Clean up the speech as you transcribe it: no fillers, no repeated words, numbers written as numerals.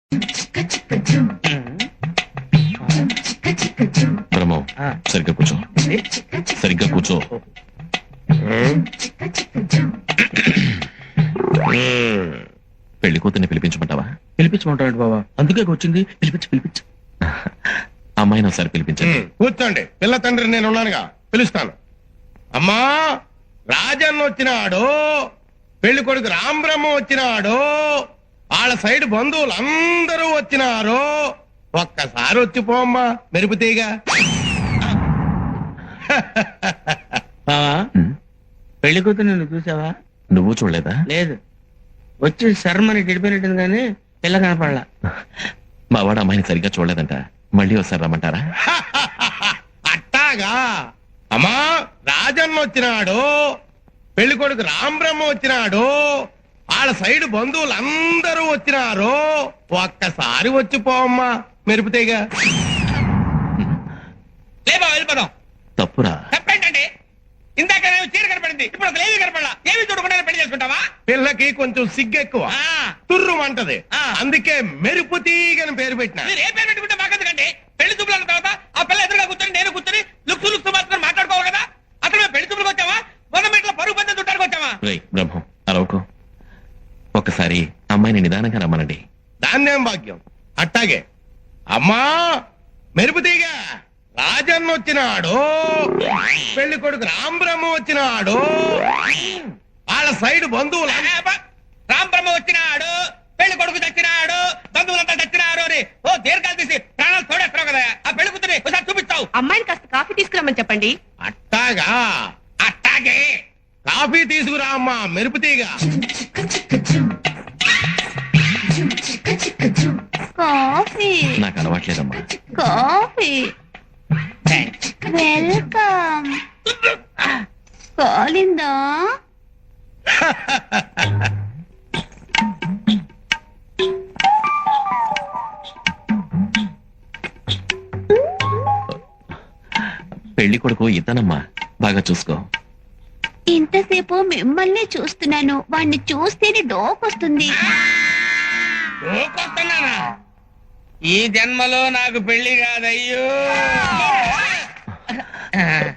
బ్రహ్మో సరిగ్గా కూర్చో, సరిగ్గా కూర్చో. పెళ్లి కూతుర్ని పిలిపించమంటావా? పిలిపించమంటాడు బాబా, అందుకే వచ్చింది. పిలిపించు. అమ్మాయిని ఒకసారి పిలిపించండి. కూర్చోండి, పిల్ల తండ్రి నేను ఉన్నానుగా, పిలుస్తాను. అమ్మా, రాజన్న వచ్చినాడు, పెళ్లి కొడుకు రాంబ్రహ్మ వచ్చినాడు, వాళ్ళ సైడ్ బంధువులు అందరూ వచ్చినారు. ఒక్కసారి వచ్చిపోమ్మా మెరుపుతీగా. బావా, పెళ్లి కూతురు నువ్వు చూసావా? నువ్వు చూడలేదా? లేదు, వచ్చి శర్మని గడిపోయినట్టుంది కానీ పిల్ల కనపడలా. మా వాడు అమ్మాయిని సరిగ్గా చూడలేదంట, మళ్ళీ ఒకసారి రమ్మంటారా? అట్టాగా. అమ్మా, రాజన్న వచ్చినాడు, పెళ్లి కొడుకు రాంబ్రహ్మ వచ్చినాడు, వాళ్ళ సైడ్ బంధువులు అందరూ వచ్చినారు. ఒక్కసారి వచ్చిపోమ్మా మెరుపుతీగా. లేబా వెళ్ళిపోదాం. తప్పురా. తప్పేంటండి? ఇందాక నేను చీర కనపడింది, ఇప్పుడు ఒక లేవి కనపడలా. ఏమి చూడకుండా పెళ్లి చేసుకుంటావా? పిల్లకి కొంచెం సిగ్గెక్కువ, తుర్రుమంటది, అందుకే మెరుపుతీగని పేరు పెట్టిన. మీరు ఏ పేరు పెట్టుకుంటే మాకెందుకండి? పెళ్లి చూపులు అన్న తర్వాత ఆ పిల్ల ఎదురుగా కూర్చొని నేను కూర్చొని లుక్స్ మాత్రం మాట్లాడుకోవాలి కదా. అసలు మేము పెళ్లి చూపులకు వచ్చావా, గవర్నమెంట్ పరుగు పందెం చుట్టానికి వచ్చావా? బ్రహ్మం అరవకు, ఒక్కసారి అమ్మాయిని నిదానంగా రమ్మనండి. దాన్నేం భాగ్యం. అట్టాగే. అమ్మా మెరుపుతీగ, రాజన్న వచ్చినాడు, పెళ్లి కొడుకు రాంబ్రహ్మ వచ్చినాడు, వాళ్ళ సైడ్ బంధువులు రాంబ్రహ్మ వచ్చినాడు, పెళ్లి కొడుకు చచ్చినాడు, బంధువులంతా చచ్చినారు అని ఓ దీర్ఘాలు తీసి ప్రాణాలు తోడేస్తావు కదా. ఆ పెళ్లి కూతురి ఒకసారి చూపిస్తావు. అమ్మాయిని కాస్త కాఫీ తీసుకురమ్మని చెప్పండి. అట్టాగా. అట్టాగే. కాఫీ తీసుకురా అమ్మా మెరుపుతీగ. కాఫీ నాకు అలవాట్లేదమ్మా. Coffee welcome. కాలిందా? పెళ్లి కొడుకు ఇతనమ్మా, బాగా చూసుకో. ఇంతసేపు మిమ్మల్ని చూస్తున్నాను, వాణ్ణి చూస్తేనే డోకొస్తుంది. ఊకొస్తున్నానా? ఈ జన్మలో నాకు పెళ్లి కాదయ్యో.